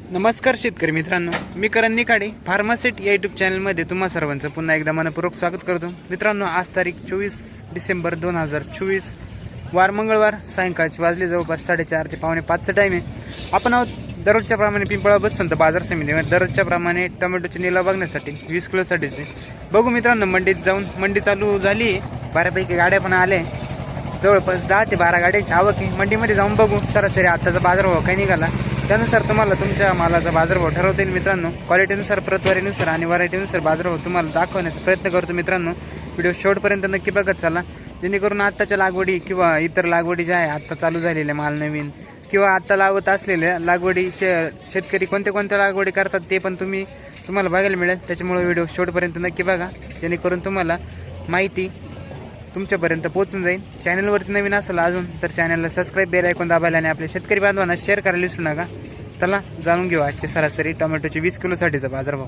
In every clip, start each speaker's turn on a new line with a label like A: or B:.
A: नमस्कार शेतकरी मित्रांनो, मी करण निकाडे फार्मासेट या यूट्यूब चॅनलमध्ये तुम्हा सर्वांचं पुन्हा एकदा मनपूर्वक स्वागत करतो. मित्रांनो, आज तारीख 24 डिसेंबर 2024 वार मंगळवार, सायंकाळचे वाजले जवळपास 4:30 ते 4:45चा टाईम आहे. आपण आहोत दररोजच्या प्रमाणे पिंपळा बसवंत बाजार समितीमध्ये दररोजच्या प्रमाणे टोमॅटोचे निलाव बघण्यासाठी 20 किलोसाठीचे. बघू मित्रांनो, मंडीत जाऊन मंडी चालू झाली आहे, बऱ्यापैकी गाड्या पण आल्या, जवळपास 10 ते 12 गाड्यांची आवक आहे. मंडीमध्ये जाऊन बघू सरासरी आताचा बाजारभाव काय निघाला, त्यानुसार तुम्हाला तुमच्या मालाचा बाजारभाव ठरवता येईल. मित्रांनो, क्वालिटीनुसार, प्रतवारीनुसार आणि व्हरायटीनुसार बाजारभाव तुम्हाला दाखवण्याचा प्रयत्न करतो. मित्रांनो, व्हिडिओ शेवटपर्यंत नक्की बघत चला, जेणेकरून आत्ताच्या लागवडी किंवा इतर लागवडी ज्या आहे आत्ता चालू झालेल्या माल नवीन किंवा आत्ता लावत असलेल्या लागवडी शेतकरी कोणत्या लागवडी करतात ते पण तुम्हाला बघायला मिळेल. त्याच्यामुळे व्हिडिओ शेवटपर्यंत नक्की बघा, जेणेकरून तुम्हाला माहिती तुमच्यापर्यंत पोहोचून जाईल. चॅनलवरती नवीन असेल अजून तर चॅनलला सबस्क्राईब, बेल आयकॉन दाबायला आणि आपल्या शेतकरी बांधवांना शेअर करायला विसरू नका. चला जाणून घेऊ आजचे सरासरी टोमॅटोचे 20 किलोसाठीचा बाजारभाव.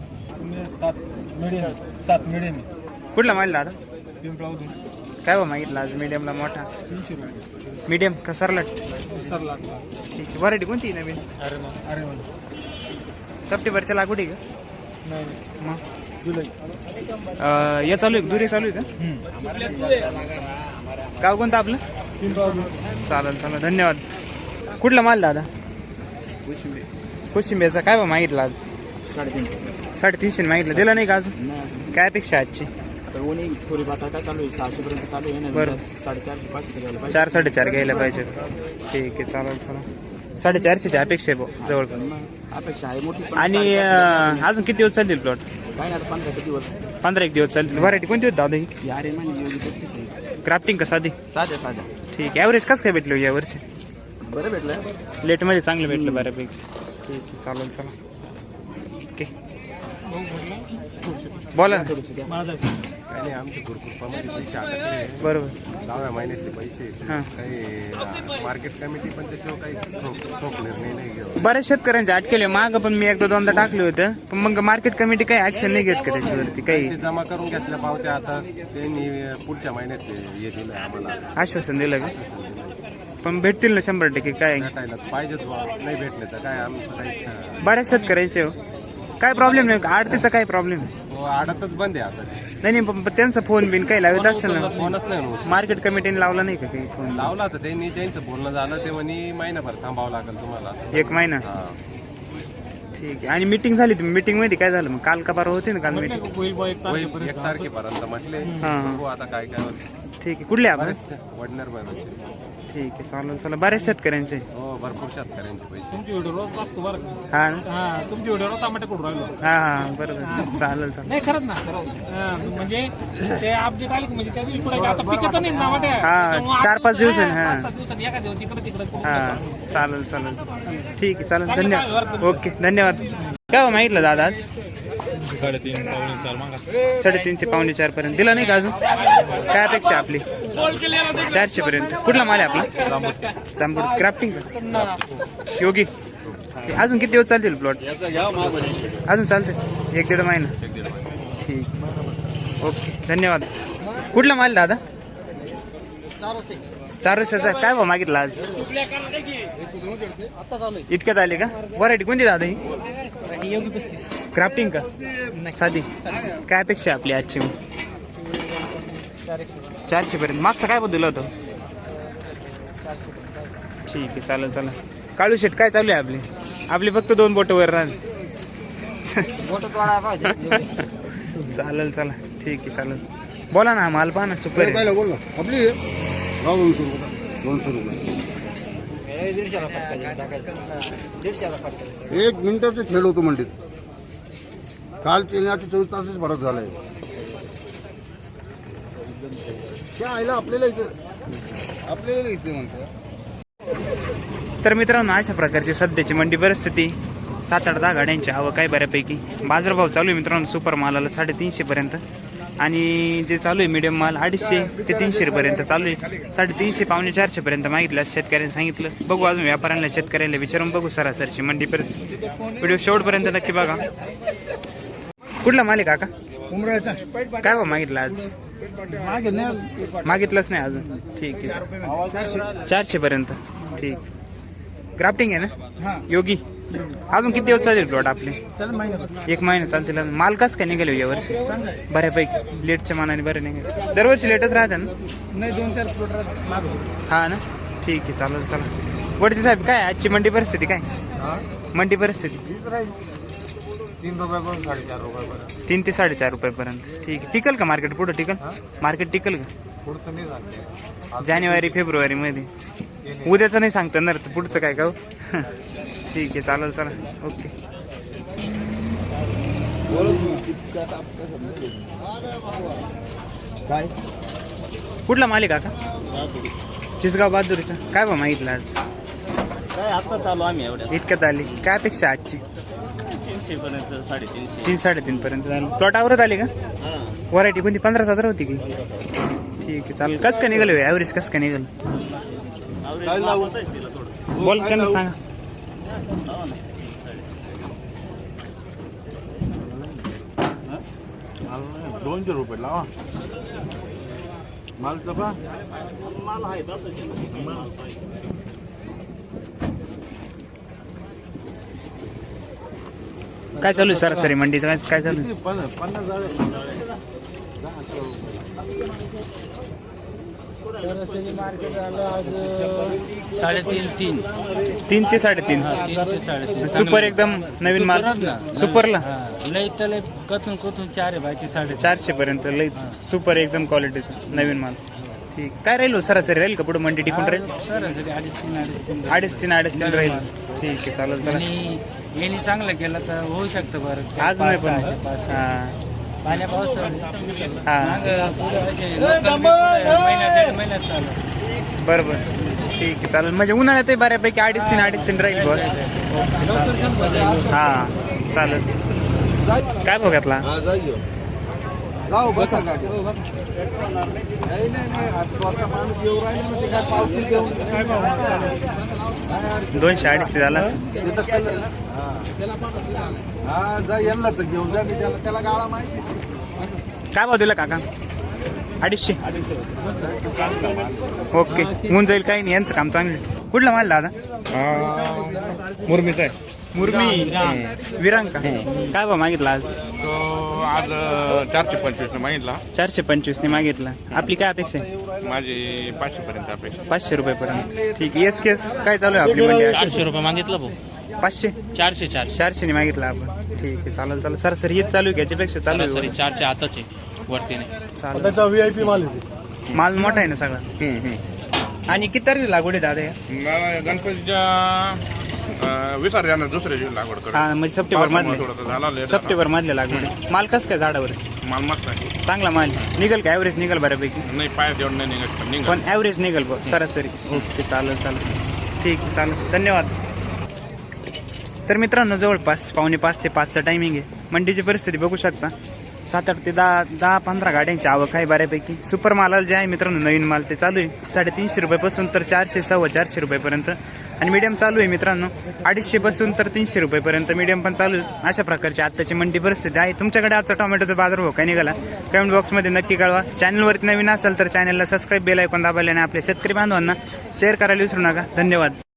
B: 7 मिडियम
A: कुठला मागला आता?
B: पिंपळावरून.
A: काय भाव मागितला आज? मीडियमला मोठा
B: 300 रुपये.
A: मीडियम का सरलाट?
B: सरला.
A: ठीक आहे. व्हरायटी कोणती नवीन?
B: अरे
A: सप्टेंबरच्या लागवडी का?
B: नाही,
A: मग
B: जुलै.
A: या चालू आहे, दुरी चालू आहे का? गाव कोणतं आपलं?
B: पिंपळावरून.
A: चालेल, धन्यवाद. कुठला माल दादा? कोशिंबीरचा काय भाव मागितला आज? 350 मागितलं, दिला नाही का अजून? काय अपेक्षा आजची?
B: थोडी बात काय चालू आहे, 600 पर्यंत चालू आहे ना.
A: बरं.
B: 4.5
A: 4-4.5 घ्यायला पाहिजे. ठीक आहे, चालेल. 450ची अपेक्षा आहे भाऊ जवळपास.
B: अपेक्षा आहे मोठी.
A: आणि अजून किती दिवस चालतील प्लॉट?
B: काय आता 15 दिवस.
A: 15 दिवस चालतील. व्हरायटी कोणती होती दादा ही?
B: यारे म्हणजे योगी 35 आहे.
A: क्राफ्टिंग का साधी?
B: साध्या.
A: ठीक आहे. ॲव्हरेज कसं काय भेटलं या वर्षी?
B: बरं भेटलं.
A: लेटमध्ये चांगलं भेटलं बऱ्यापैकी. ठीक आहे, चालेल. ओके, बोला ना.
C: काही नाही, आमचे ग्रुपमध्ये पैसे अडकले.
A: बरोबर.
C: 10व्या महिन्यातले पैसे.
A: हां.
C: काही मार्केट कमिटी पण त्याच्यावर काही ठोक निर्णय नाही घेऊ.
A: बऱ्याच शेतकऱ्यांचे अटकेले माग पण मी 1-2दा टाकले होते, पण मग मार्केट कमिटी काही ऍक्शन नाही घेत का त्याच्यावरती? काही
C: ते जमा करून घेतल्या पावत्या, आता त्यांनी पुढच्या महिन्यात हे दिलं आम्हाला,
A: आश्वासन दिलं का? पण भेटतील ना 100%? काय
C: भेटायला पाहिजेत बा. नाही भेटले तर काय आमचं काही
A: बऱ्याच शेतकऱ्यांचे काय प्रॉब्लेम नाही? आडतीचा काय प्रॉब्लेम?
C: आडतच बंद आहे आता.
A: नाही, पण त्यांचा फोन बिन काही लावत असेल ना?
C: फोनच नाही होत.
A: मार्केट कमिटीने लावला नाही का काही फोन?
C: लावला तर त्यांनी, त्यांचं बोलणं झालं ते म्हणे महिनाभर थांबावं लागेल तुम्हाला.
A: 1 महिना?
C: हा.
A: ठीक आहे. आणि मीटिंग झाली तुम्ही मीटिंग मध्ये काय झालं मग? काल का परवा होती ना काल मीटिंग?
C: होईल 1 तारखेपर्यंत म्हटले.
A: हां.
C: बघू आता काय होतं.
A: ठीक आहे. कुठले आपण?
C: वडनेर बरोबर.
A: ठीक आहे, चालेल. बऱ्याच शेतकऱ्यांचे.
C: हो, भरपूर शेतकऱ्यांचे पैसे.
B: तुमची व्हिडिओ रोज बघतो बरं का.
A: हा ना?
B: हा, तुमची व्हिडिओ रोज टमाटे करून राहिलो.
A: हा, बरोबर. चालेल.
B: नाही खरंच ना, खरंच. म्हणजे ते अपडेट आले की म्हणजे त्या दिवशी पुढे आता पिकत नाही टमाटे.
A: हा, 4-5 दिवसांनी. हा
B: 5-7 दिवसात एका दिवशी इकडे तिकडे करून
A: हा,
B: टाकतो.
A: चालेल. ठीक आहे, चालेल. धन्यवाद. ओके, धन्यवाद. काय हो मागितलं दादा आज? 3.5 ते 4.25 पर्यंत दिला नाही का अजून? काय अपेक्षा आपली? 400 पर्यंत. कुठला माल आहे आपला? जांभूळ. क्राफ्टिंग का? योगी. अजून किती दिवस चालतील प्लॉट? अजून चालते 1-1.5 महिना. ठीक, ओके, धन्यवाद. कुठला माल दादा? 400चा. काय भाव मागितला आज? इतक्यात आले का? व्हरायटी कोणती दादा ही?
B: योगी 35.
A: क्राफ्टिंग का? साधी. काय अपेक्षा आपली आजची? 400 पर्यंत. मागचा काय बदल होतं? ठीक आहे, चालेल. काळू शेट काय चालू आहे आपली फक्त 2 बोट वर राहत. चालेल. ठीक आहे, चालेल. बोला ना, माल पहा ना. सुपर
D: काय बोल ना आपली 200 रुपये. 1 मिनिटाचा खेळ होतो मंडीत. काल 24 तासच भरत झालाय. त्या आईला आपल्याला इथे म्हणतो.
A: तर मित्रांनो, अशा प्रकारची सध्याची मंडी परिस्थिती. 7-8-10 गाड्यांची आवक आहे बऱ्यापैकी. बाजारभाव चालू आहे मित्रांनो सुपर मालाला 350 पर्यंत, आणि जे चालू आहे मीडियम माल 250 ते 300 पर्यंत चालू आहे. 350 पावणे 400 पर्यंत मागितलं शेतकऱ्यांनी सांगितलं. बघू अजून व्यापाऱ्यांना, शेतकऱ्यांना विचारून बघू सरासरची मंडी परिस्थिती. व्हिडिओ शेवटपर्यंत नक्की बघा. कुठला माल आहे काका?
D: उमरायचा
A: काय भाव मागितला आज? मागितलंच नाही अजून. ठीक आहे, 400 पर्यंत. ठीक. क्राफ्टिंग आहे ना? योगी. अजून किती दिवस चालेल प्लॉट आपले?
B: चल महिन्याभर
A: 1 महिना चालतील अजून. माल कसं काय निघाले या वर्षी? बऱ्यापैकी लेटच्या मानाने बरे निघाले. दरवर्षी लेटच राहते ना?
B: नाही 2-4 प्लॉट मागवतो.
A: हा ना, ठीक आहे, चालेल. चला वडचे साहेब, काय आजची मंडी परिस्थिती काय? मंडी परिस्थिती
C: 3 रुपयापासून 4.5 रुपयापर्यंत.
A: 3 ते 4.5 रुपयापर्यंत. ठीक आहे. टिकल का मार्केट? पुढं टिकल मार्केट? टिकल का
C: पुढचं नाही झालं.
A: जानेवारी फेब्रुवारी मध्ये? उद्याचं नाही सांगता येणार, तर पुढचं काय का हो? ठीक आहे, चालेल. चला, ओके.
D: काय
A: कुठला मालिक काका? चिसगाव बहादुरीचा. काय बा मागितलं आज?
E: काय आता चालू आम्ही एवढ्या
A: इतक्यात आली काय अपेक्षा आजची?
E: 300 पर्यंत 350.
A: 3-3.5 पर्यंत झालं. प्लॉटावरच आली का? व्हरायटी कोणती? 15,000 होती की? ठीक आहे, चालेल. कसं काय निघाल ॲव्हरेज? कसं काय निघाल? बोल, त्यांना सांगा.
D: ₹200 लावा माल तपा.
E: माल आहे तसंच
A: काय चालू आहे सरासरी मंडीचं? काय चालू आहे? 3 ते 3.5. सुपर एकदम नवीन माल. सुपरला
E: लई तर लई कथून 4 आहे, बाकी 4.5.
A: 400 पर्यंत लईच सुपर एकदम क्वालिटीचं नवीन माल. ठीक. काय राहील हो? सरासरी राहील का पुढे मंडी टिकून राहील?
E: सरासरी
A: 2.5-3 राहील. ठीक आहे, चालेल. चला,
E: यांनी चांगलं केलं तर होऊ शकतं बरं.
A: आज नाही पण.
E: पाण्या पावसाळ्यात महिन्यात चालू.
A: बरोबर, ठीक आहे, चालेल. म्हणजे उन्हाळ्यात बऱ्यापैकी 2.5-3 राहील बस. हा, चालेल. काय बघितला?
D: जाऊ बसा गाडी. नाही स्वतः माणूस येऊ राहिले ना, ते काय पावसाळी घेऊन
A: 200-250 झाला.
D: हा जा, यांना तर घेऊन जा. मी त्याला गाळा माहिती.
A: काय भाव दिला काका? 250. ओके, होऊन जाईल, काही नाही. यांचं काम चांगलं. कुठला माल दादा?
C: मुरमीचा आहे
A: मुरमी विरांग का? काय भाव मागितला आज?
C: तो आज 425 मागितला.
A: 425 ने मागितला. आपली काय अपेक्षा आहे?
C: माझी 500 पर्यंत अपेक्षा.
A: 500 रुपयापर्यंत. ठीक आहे. येस केस काय चालू आहे आपली मंडी?
E: 400 रुपये मागितलं भाऊ.
A: 500 400 ने मागितला आपण. ठीक आहे, चालेल. सर हेच चालू आहे का? याच्यापेक्षा चालू आहे?
E: 4च्या आताच आहे, वरती नाही.
A: चालेल.
D: त्याचा VIP माल आहे.
A: माल मोठा आहे ना सगळा. आणि किती तारीख लागवड आहे दादा या?
C: गणपतीच्या विसर्जन दुसऱ्या दिवशी लागवड करतो.
A: हा, म्हणजे सप्टेंबर मधले.
C: झाला
A: सप्टेंबर मधले लागवड आहे. माल कसं काय झाडावर?
C: माल मस्त आहे.
A: चांगला माल निघल का? ॲव्हरेज निघल बऱ्यापैकी?
C: नाही, पाय देऊन नाही निघत पण निघत.
A: पण ॲव्हरेज निघल बघ सरासरी. ओके, चालेल. ठीक आहे, चालेल. धन्यवाद. तर मित्रांनो, जवळपास 4:45 ते 5चा टायमिंग आहे. मंडीची परिस्थिती बघू शकता. 7-8 ते 10-15 गाड्यांची आवक आहे बऱ्यापैकी. सुपर मालाला जे आहे मित्रांनो, नवीन माल ते चालू आहे 350 रुपयापासून तर 400-450 रुपयापर्यंत. आणि मीडियम चालू आहे मित्रांनो 250 पासून तर 300 रुपयापर्यंत मीडियम पण चालू आहे. अशा प्रकारची आत्ताची मंडी परिस्थिती आहे. तुमच्याकडे आजचा टोमॅटोचा बाजारभाव काय निघाला कमेंट बॉक्समध्ये नक्की कळवा. चॅनलवरती नवीन असेल तर चॅनलला सबस्क्राईब, बेल आयकॉन दाबायला आणि आपल्या शेतकरी बांधवांना शेअर करायला विसरू नका. धन्यवाद.